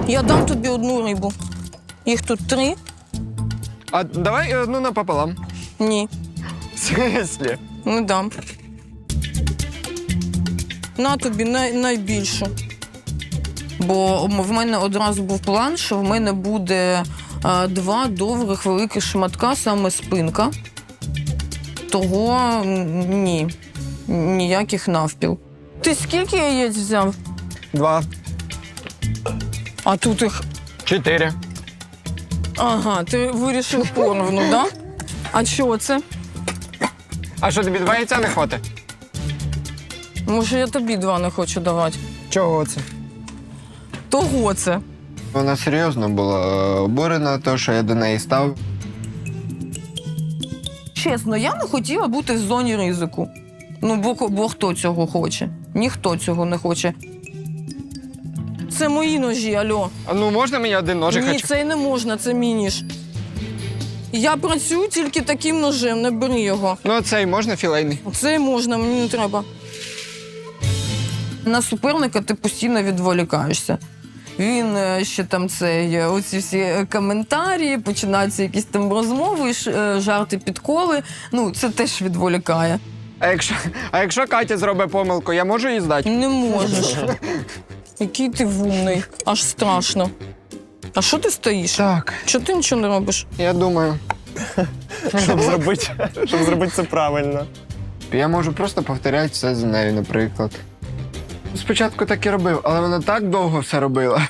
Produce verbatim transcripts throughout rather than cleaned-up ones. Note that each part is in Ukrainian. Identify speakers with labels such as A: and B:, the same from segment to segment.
A: Я дам тобі одну рибу. Їх тут три.
B: А давай одну напополам.
A: Ні,
B: В смислі?
A: не дам. На тобі най найбільшу. Бо в мене одразу був план, що в мене буде а, два довгих великих шматка, саме спинка. Того м, ні, ніяких навпіл. Ти скільки яєць взяв?
B: Два.
A: А тут їх...
B: Чотири.
A: Ага, ти вирішив поровну, так? Да? А що це?
B: А що, тобі два яйця не хватить?
A: Може, я тобі два не хочу давати.
B: Чого це?
A: Того це.
B: Вона серйозно була обурена, то, що я до неї став.
A: Чесно, я не хотіла бути в зоні ризику. Ну, бо, бо хто цього хоче? Ніхто цього не хоче. Це мої ножі, альо.
B: А ну можна мені один ножик?
A: Ні,
B: хочу?
A: це й не можна, це мій ніж. Я працюю тільки таким ножем, не бери його.
B: Ну, цей можна філейний?
A: Це й можна, мені не треба. На суперника ти постійно відволікаєшся. Він е, ще там цей, оці всі коментарі, починаються якісь там розмови, ш- е, жарти, підколи. Ну, це теж відволікає.
B: А якщо, а якщо Катя зробить помилку, я можу її здати?
A: Не можеш. Який ти вумний, аж страшно. А що ти стоїш?
B: Так,
A: Чого ти нічого не робиш?
B: я думаю.
C: Щоб зробити, щоб зробити це правильно.
B: Я можу просто повторяти все за нею, наприклад. Спочатку так і робив, але вона так довго все робила.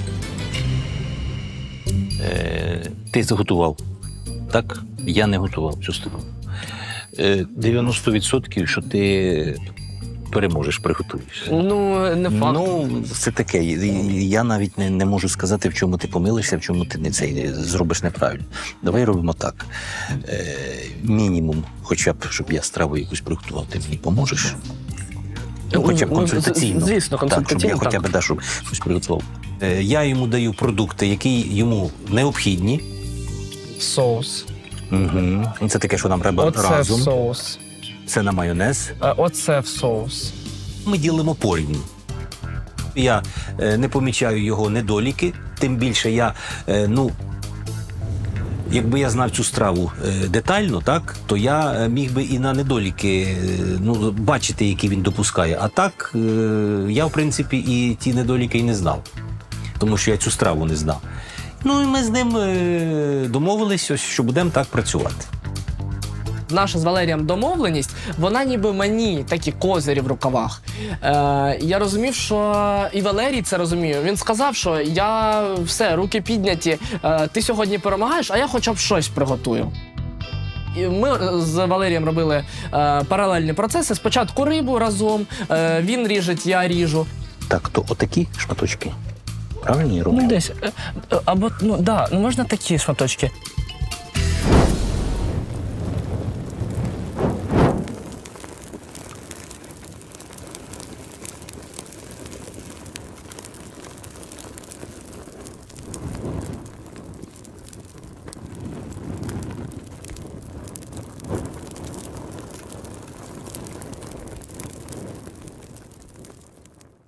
D: Е, ти заготував. Так? Я не готував цю страву. Е, дев'яносто відсотків, що ти переможеш, приготуєш.
E: Ну, не факт.
D: Ну, це таке. Я навіть не, не можу сказати, в чому ти помилишся, в чому ти не цей зробиш неправильно. Давай робимо так. Е, мінімум, хоча б, щоб я страву якусь приготував, ти мені поможеш? Ну, хоча б
E: Ну,
D: консультаційно.
E: з- звісно, консультаційно,
D: Так, щоб я
E: так.
D: хоча б да, щоб щось приготував. Е, я йому даю продукти, які йому необхідні.
E: Соус.
D: Угу. Це таке, що нам треба
E: Оце
D: разом.
E: в соус.
D: Це на майонез.
E: Е, Оце в соус.
D: Ми ділимо порівну. Я е, не помічаю його недоліки, тим більше я, е, ну, якби я знав цю страву е, детально, так, то я е, міг би і на недоліки е, ну, бачити, які він допускає. А так, е, я, в принципі, і ті недоліки і не знав, тому що я цю страву не знав. Ну, і ми з ним е, домовилися, що будемо так працювати.
E: Наша з Валерієм домовленість, вона ніби мені такі козирі в рукавах. Е, я розумів, що і Валерій це розуміє. Він сказав, що я все, руки підняті, е, ти сьогодні перемагаєш, а я хоча б щось приготую. І ми з Валерієм робили е, паралельні процеси. Спочатку рибу разом, е, він ріжеть, я ріжу.
D: Так, то отакі шматочки. Правильно я роблю?
E: Ну, десь. е, е, Або, ну, да, можна такі шматочки.